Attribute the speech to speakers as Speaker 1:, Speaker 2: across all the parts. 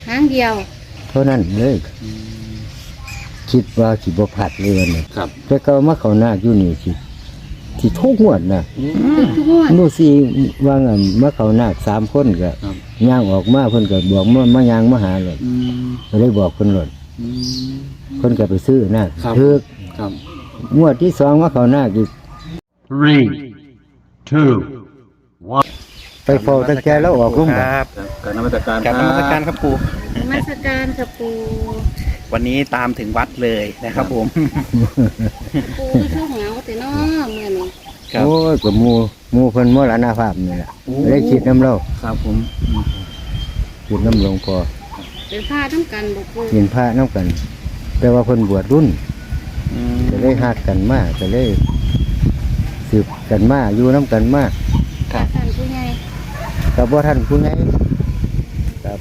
Speaker 1: ครั้งเดียว
Speaker 2: เท่านั้นเลยคิดว่าสิบ่ผัดเลยเนี่ย
Speaker 3: ครับ
Speaker 2: แต่ก็มาเขานาคอยู่นี่สิทุกงวดนะ
Speaker 1: ทุกงวด
Speaker 2: นู่สิว่างั้นมาเขานาค3คนก็
Speaker 3: ครับ
Speaker 2: ย่างออกมาเพิ่นก็บอกมาย่างมาหาเลยก็เลยบอกเพิ่นเลยเพิ่นก็ไปซื้อนาค
Speaker 3: ครับ
Speaker 2: ถึก
Speaker 3: ครับ
Speaker 2: งวดที่2มาเขานาคอีก
Speaker 4: Three, two, one.
Speaker 2: ไปเฝ้าตั้งแต่แล้วออกลง
Speaker 5: ค
Speaker 2: บ่
Speaker 5: รับ
Speaker 3: การนมัสการ
Speaker 5: กราบนมัสการครับปู่
Speaker 1: นมัสการกับปู
Speaker 5: วันนี้ตามถึงวัดเลยนะครับผม
Speaker 1: ปูคือเท่าเหงาแต่น้อเมื่อนี้
Speaker 5: ครับ
Speaker 2: โอ้ยก็หมู่เพิ่นมรณภาพนี่แหละเลยคิดน้ำเรา
Speaker 3: ครับผม
Speaker 2: คิดน้ำหลวงพ่อ
Speaker 1: เป็นผ้าทั้งกันบอกปู
Speaker 2: กินพระน้ำกัน แต่ว่าเพิ่นบวชรุ่นจะได้ฮักกันมากจะได้สืบกันมากอยู่น้ำกันมาก
Speaker 5: ครับ
Speaker 1: ท่านผู้ใหญ่
Speaker 2: กับว่าท่านผู้ใหญ่ครับ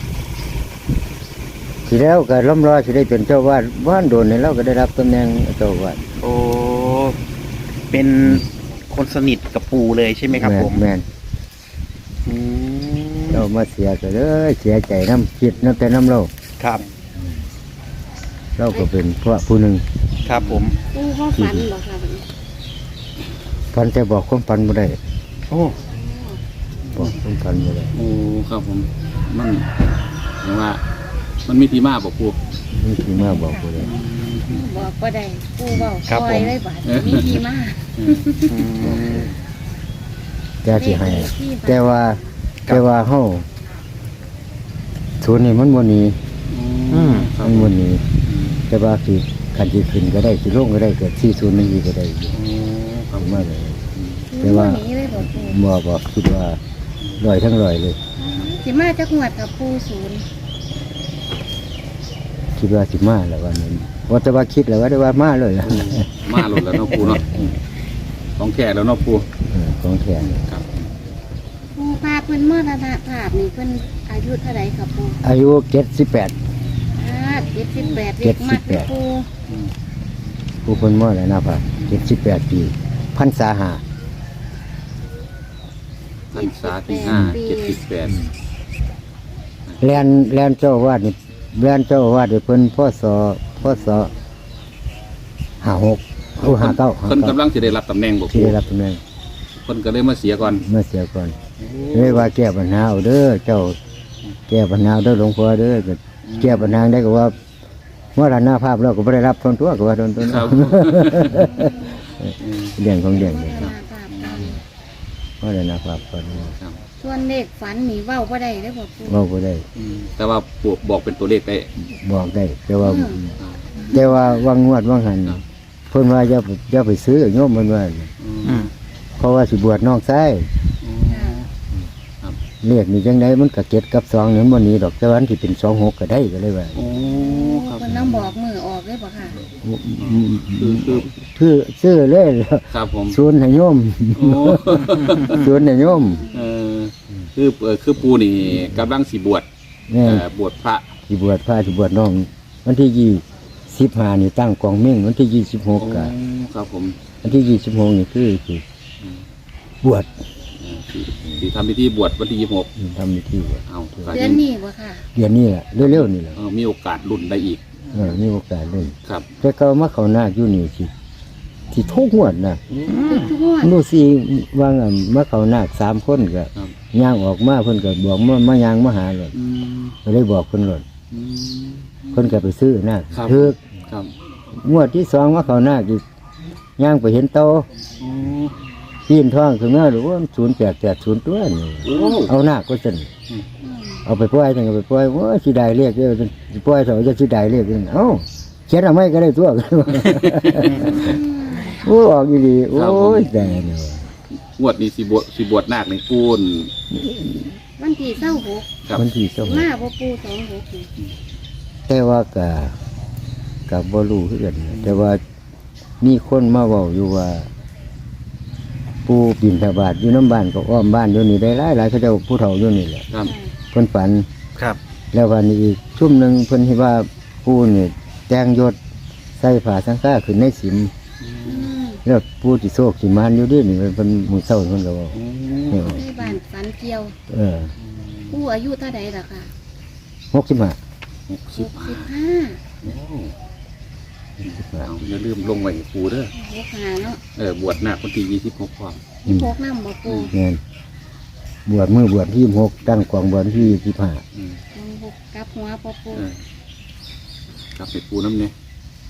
Speaker 2: ทีแล้วก็ล้อมรอสิได้เป็นเจ้าวาดว่านโดนในเราก็ได้รับตำแหน่งเจ้าวาด
Speaker 5: โอ้เป็นคนสนิทกับปู่เลยใช่ไหมครับผม
Speaker 2: แม่น
Speaker 5: อืม
Speaker 2: เรามาเสียก็เลยเสียใจน้ำคิดน้ำแต่น้ำเรา
Speaker 5: ครับ
Speaker 2: เราก็เป็นพวกผู้หนึ่ง
Speaker 5: ครับผม
Speaker 1: ปูเขาฝันบอกค่ะแบบนี้
Speaker 2: พันแต่บอกความพันบ่ได้
Speaker 5: โอ้
Speaker 2: บอกความพันบ่ได้
Speaker 3: โอ้ครับผมมันเรียกว่า มันมีที่มาบอกปู
Speaker 2: นี่ที่มาบอกบ่ได้
Speaker 1: บอกก็ได้ปูบอกคอยได้บาดมีทีมา
Speaker 5: อืม
Speaker 2: แต่สิให้ แต่ว่าเฮาศูนย์นี่มันบ่หนี
Speaker 3: ครั
Speaker 2: มั
Speaker 3: บ
Speaker 2: นบ่หนีแต่ว่าสิคันสิขึ้นก็ได้สิลงก็ได้เกิด40มันอีกก็ได้อยู่
Speaker 3: ครับ
Speaker 2: มาเลย แต่
Speaker 1: แต่
Speaker 2: ว่า
Speaker 1: ว่านี้เลยบอกปู
Speaker 2: บอกคิดว่าลอยทั้งลอยเลย
Speaker 1: สิมาจากงวดกับปูศูนย์
Speaker 2: คิดว่าสิมาแล้ววันนี้ว่าแต่ว่าคิดแล้วว่าได้ว่ามาเลยล่ะ
Speaker 3: มาหลุดแล้วเนาะปูเนาะของแก่แล้วเนาะปู
Speaker 2: ของแทน
Speaker 3: ครับ
Speaker 1: ปูพาเพิ่นมรณภาพนี่เพิ่นอายุเท่าไหร่ครับปู
Speaker 2: อายุ78
Speaker 1: 78เด็กมากเลยปู
Speaker 2: ผู้เพิ่นมรณภาพ78 ปีพรรษา5
Speaker 3: พรรษาที่5 78
Speaker 2: แลนเจ้าอาวาดนี่แลนเจ้าอาวาดนี่เพิ่นพศ56หรือ59
Speaker 3: เพิ่นกำลังจะได้รับตำแหน่งบอก
Speaker 2: ที่
Speaker 3: ปู
Speaker 2: ได้รับตำแหน่ง
Speaker 3: เพิ่นก็เลยมาเสียก่อน
Speaker 2: เมื่อเสียก่อนเลยว่าแก้ปัญหาเอาเด้อเจ้าแก้ปัญหาเอาเด้อหลวงพ่อเด้อก็แก้ปัญหาได้ก็ว่ามรณภาพแล้วก็บ่ได้รับทนตัวก็ว่าทนตัว
Speaker 3: ครับ
Speaker 2: เรื่องของเรื่อง
Speaker 1: ม
Speaker 2: นี่
Speaker 1: ร
Speaker 2: ครับ
Speaker 1: ณภาพกัน
Speaker 2: มรณภาพก่อน
Speaker 3: ครับ
Speaker 1: ส่วนเลขฝันนี่เว้าบ่ได้เลยบอกปู
Speaker 2: เว้าบ่ได้
Speaker 3: แต่ว่าปูบอกเป็นตัวเลขได้
Speaker 2: บอกได้ แต่ว่า
Speaker 1: อืม
Speaker 2: แต่ว่าวางงวดวางหันเพิ่นว่าอย่าไปซื้อโยมเพิ่นว่า
Speaker 5: อืม
Speaker 2: เพราะว่าสิบวชน้องชาย
Speaker 1: ค่ะ
Speaker 2: เลขนี่จังไดมันก็7กับ2นี่มันบ่หนีดอกแต่ว่ามันสิเป็น26ก็ได้ก็เลยว่า
Speaker 3: โอ้ครับ
Speaker 1: เพิ่นต้องบอกมือออกเลยบ่ค่ะ
Speaker 3: คือ
Speaker 2: ซื้อเลย
Speaker 3: ครับผม
Speaker 2: ศูนย์ให้โยม
Speaker 3: โอ้
Speaker 2: ศูนย์ให้โยม
Speaker 3: คือปูนี่กำลังสิบวช
Speaker 2: แนี่
Speaker 3: บวชพระ
Speaker 2: สิบวชพระสิบวชน้องวันที่25นี่ตั้งกองเม่งวันที่26ก็
Speaker 3: ครับผม
Speaker 2: วันที่26นี่คือสิบวช
Speaker 3: ที่ทำพิธีบวชวันที่26
Speaker 2: ทำพิธีบวช
Speaker 3: เอา
Speaker 1: เดือนนี้บ่ค่ะ
Speaker 2: เดือนนี้แหละเร็วๆนี่แหละ
Speaker 3: มีโอกาสรุ่นได้อีก
Speaker 2: มีโอกาสเล่น
Speaker 3: ครับ
Speaker 2: แต่ก็มาเขานาคอยู่นี่สิทุกงวดนะ
Speaker 1: ทุกงวด
Speaker 2: นู่สิว่างั้นมาเขานาค3คนก็
Speaker 3: ครับ
Speaker 2: ย่างออกมาเพิ่นก็บอกมาย่างมาหาเลยก็เลยบอกเพิ่นเลยเพิ่นก็ไปซื้อนาค
Speaker 3: ครับ
Speaker 2: ถึก
Speaker 3: ครับ
Speaker 2: งวดที่2มาเขานาคอีกย่างไปเห็นโตปีนท้องขึ้นมาหรือว่า0880ตัวนี่
Speaker 3: โอ้
Speaker 2: เอานาคก็ซั่นเอาไปปล่อยจังก็ไปปล่อยว่าสิได้เรียกเด้อสิปล่อยเถอะจะสิได้เรียกเด้อเอ้าเขียนเอาไว้ก็ได้ตัว โอ้ออกอยู่ดีโอ้ยแต่เนี่ย
Speaker 3: งวดนี้สิบวชนาคในปูน
Speaker 1: วันที่26
Speaker 3: ครับ
Speaker 2: มันที่สม
Speaker 1: มาบ่ปู26นี่
Speaker 2: แต่ว่ากับบ่รู้คือกันนะแต่ว่ามีคนมาเว้าอยู่ว่า ปูบินทบาทอยู่น้ำบ้านก็อ้อมบ้านอยู่นี่ได้หลายเขาเจ้าผู้เฒ่าอยู่นี่แหละ
Speaker 3: ครับ
Speaker 2: เพิ่นฝัน
Speaker 5: ครับ
Speaker 2: แล้ววันนี้อีกชุ่มหนึงเพิ่นเห็นว่าปูนี่แต่งยศใส่ผ้าสังฆาขึ้นในสิม
Speaker 1: อืม
Speaker 2: แล้วปูสิโชคสิมานอยู่ดินี่เพิ่นมื้อเช้าเพิ่นก็เว้า
Speaker 1: ในบ้านฝันเกี่ยว
Speaker 2: เออ
Speaker 1: ปูอายุเท่าใดล่ะค่ะ
Speaker 2: 65
Speaker 3: 65
Speaker 1: 65
Speaker 3: โอ้เอาอย่าลืมลงไว้ให้ปูเด้อ
Speaker 1: 65เนาะ
Speaker 3: บวชนาควันที่26พร้อม
Speaker 1: 26นำบ่ปู
Speaker 2: แม่นบวชมือบวชที่26ตั้งกองบวชที่25
Speaker 3: อืม
Speaker 1: 26กลับหัวบ่ปู
Speaker 3: กลับไปปูน้ำเนี่ย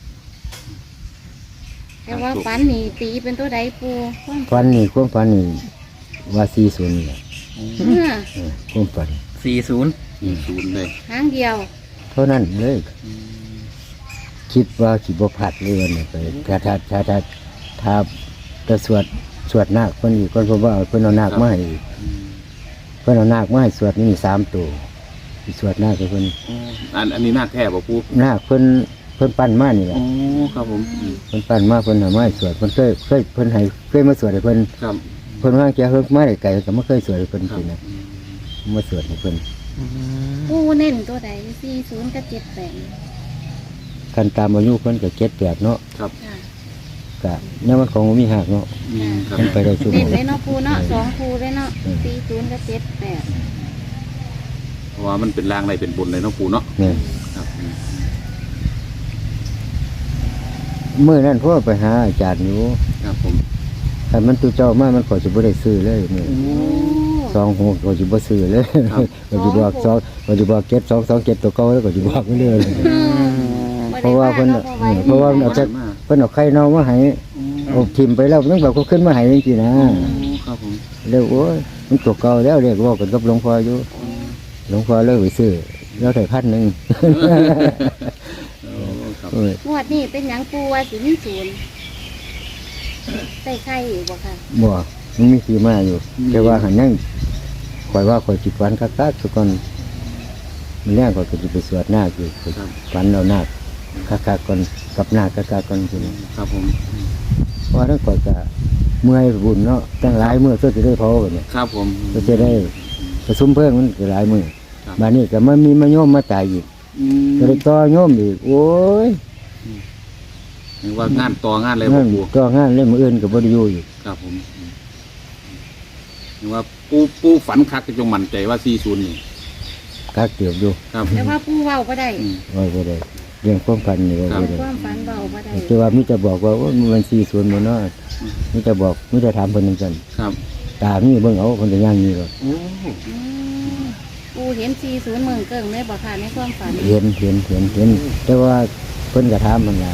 Speaker 1: แต่ว่าฝันนี่ตีเป็นตัวใดปูความ
Speaker 2: ฝันนี่ความฝันนี่ว่า40นี่แหละ
Speaker 1: เมื่อ
Speaker 2: ความฝัน
Speaker 5: 40
Speaker 3: 40เลย
Speaker 1: ครั้งเดียว
Speaker 2: เท่านั้นเลย คิดว่าสิบ่พลาดเลยวันนี้ไปถ้าจะสวดนาคเพิ่นอีกคนเพราะว่าเพิ่นเอานาคมาให้อีกเพิ่นเอานาคมาให้สวดนี่3ตัวสิสวดนาคให้เพิ่น
Speaker 3: อันนี้นาคแท้บ่ปู
Speaker 2: นาคเพิ่นปั้นมานี่แหละ
Speaker 3: โอ้ครับผม
Speaker 2: เพิ่นปั้นมาเพิ่นเอามาให้สวดเพิ่นเคยเพิ่นให้เคยมาสวดให้เพิ่น
Speaker 3: ครับ
Speaker 2: เพิ่นว่าแกเฮิกมาได้ไกลก็บ่เคยสวดให้เพิ่น
Speaker 3: ครั
Speaker 2: สิ
Speaker 3: บ
Speaker 2: นะมาสวดให้เพิ่น
Speaker 1: ปูเน้นตัวใด40กับ78
Speaker 2: คันตามอายุเพิ่นก็7-8เนาะ
Speaker 3: ครับ
Speaker 1: ค่ะ
Speaker 2: ก็เนี่ยมันของบ่มีหักเนาะ
Speaker 3: ครับ
Speaker 2: มันไปได้ชั่วโม
Speaker 1: เน้น
Speaker 2: ง
Speaker 1: เลยเนาะปูเนาะ2คู่เลยเนาะ40กับ78
Speaker 3: เพราะว่ามันเป็นรางในเป็นบนเลยเนาะปูเนาะ
Speaker 2: เนี่ย
Speaker 3: ครับ
Speaker 2: มื้อนั้นพ่อไปหาอาจารย์อยู่
Speaker 3: ครับผม
Speaker 2: ถ้ามันตุเจ้ามามันขอสิบ่ได้ซื้อเลยมื้อ
Speaker 1: โอ้
Speaker 2: 26ก็สิบ่ซื้อเลยก็สิบอก2ก็สิบอก7227ตัวเก่าแล้วก็สิบอกมันเลย เพราะว่าเพิ่นเพราะว่ามันเอาแต่เพิ่นเอาไข่เน่ามาให้เอาทิ่มไปแล้วมันแบบก็ขึ้นมาให้จริงๆนะ
Speaker 3: ครับผม
Speaker 2: แล้วโอ้ยมันตัวเก่าแล้วเรียกว่ากันกับหลวงพ่ออยู่หลวงพ่อเลิกไปซื้อแล้วได้1,000
Speaker 3: ครับ
Speaker 2: โอ้ย
Speaker 1: งวดนี้เป็นหยังปูว่าสิมีศูนย์ใส่ไข่อยู่บ่ค่ะ
Speaker 2: บ่มันมีที่มาอยู่แต่ว่าหันยังข่อยว่าข่อยสิฝันคักๆทุกคนมันแรกข่อยก็สิไปสวดนาคอยู่ข่อยฝันเอานาคคักๆก่อนกับนาคคักๆก่อนพุ่น
Speaker 3: ครับผม
Speaker 2: เพราะนั้นข่อยก็เมื่อยบุญเนาะตั้งหลายมื้อเพื่อสิได้เผากันเนี่ย
Speaker 3: ครับผม
Speaker 2: ก็จะได้ประชุมเพิ่มมันก็หลายมื้อ
Speaker 3: ครับ
Speaker 2: บัดนี้ก็มันมีมาโยมมาตายอีกก็เลยต่อโยมอีกโอ้ย
Speaker 3: เห็นว่างานต่องานเลยบ่
Speaker 2: นั่น
Speaker 3: ปู
Speaker 2: ก็งานเล่นมื้ออื่นก็บ่ได้อยู่อีก
Speaker 3: ครับผมเห็นว่าปูฝันคักก็จงมั่นใจว่า40นี่
Speaker 2: คักเตียบอยู่
Speaker 3: ครับ
Speaker 1: แต่ว่าปูเว้าบ่ได้
Speaker 2: ว่าบ่ได้เรื่องความฝันนี่ว่า
Speaker 1: เอา
Speaker 2: บ่ได้
Speaker 1: ความฝันเว้าบ่ได้
Speaker 2: แต่ว่ามีแต่บอกว่าโอ้ยมัน40บ่เนาะมีแต่บอกมีแต่ถามเพิ่นจังซั่น
Speaker 3: ครับ
Speaker 2: ตามีเบิ่งเอาเพิ่นก็ย่างนี่ก็
Speaker 1: อืมปูเห็น40เมืองเกิ่งเลยบ่ค่ะในความฝัน
Speaker 2: เห็นแต่ว่าเพิ่นก็ถามมันล่ะ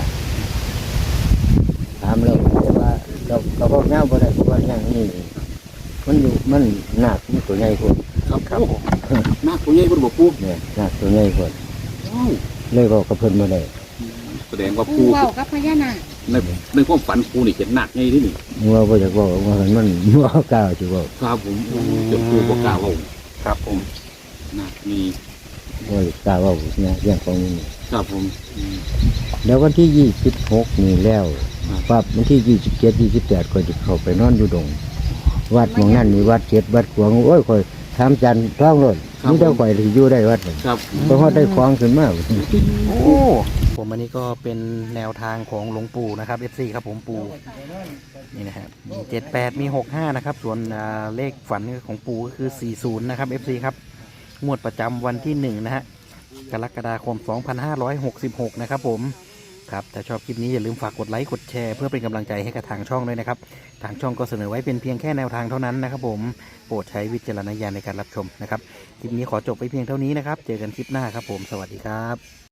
Speaker 2: ถามแล้วแต่ว่าก็บอกแนวบ่ได้เพราะว่าอย่างนี้มันอยู่มันหนักมันตัวใหญ่พุ่น
Speaker 3: ครับโอ้นาคตัวใหญ่บ่บ่ปู
Speaker 2: เนี่ยหนักตัวใหญ่พุ่น
Speaker 3: ว้าว
Speaker 2: เลยบอกกับเพิ่นบ่ได้
Speaker 3: แสดงว่า
Speaker 1: ปู
Speaker 3: ปู
Speaker 1: เว้ากับพญานาค
Speaker 3: ในความฝันปูนี่เห็นนาคใหญ่ที่นี่
Speaker 2: ว่าบ่อยากบอกว่ามันบ่กล้าสิบอก
Speaker 3: ครับผมเจ้าปูบ่กล้าเว้า
Speaker 5: ครับผม
Speaker 3: นาคมี
Speaker 2: บ่กล้าเว้าเนี่ยเรื่องของมันนี่
Speaker 3: ครับผม
Speaker 2: แล้ววันที่26นี่แล้วปั๊บวันที่27 28ก็จะเข้าไปนอนอยู่ดงวัดหม่องนั้นมีวัดเจ็ดวัดขวางโอ้ยข่อยถามจันทร์ท้องรถมีแต่ข่อยที่อยู่ได้วัดนั่น
Speaker 3: ครับ
Speaker 2: เพราะว่าได้ของขึ้นมา
Speaker 5: โอ้ผมอันนี้ก็เป็นแนวทางของหลวงปู่นะครับ FC ครับผมปู่นี่นะครับมี78มี65นะครับส่วนเลขฝันของปู่ก็คือ40นะครับ FC ครับงวดประจำวันที่1นะฮะกรกฎาคม2566นะครับผมครับถ้าชอบคลิปนี้อย่าลืมฝากกดไลค์กดแชร์เพื่อเป็นกำลังใจให้กับทางช่องด้วยนะครับทางช่องก็เสนอไว้เป็นเพียงแค่แนวทางเท่านั้นนะครับผมโปรดใช้วิจารณญาณในการรับชมนะครับคลิปนี้ขอจบไปเพียงเท่านี้นะครับเจอกันคลิปหน้าครับผมสวัสดีครับ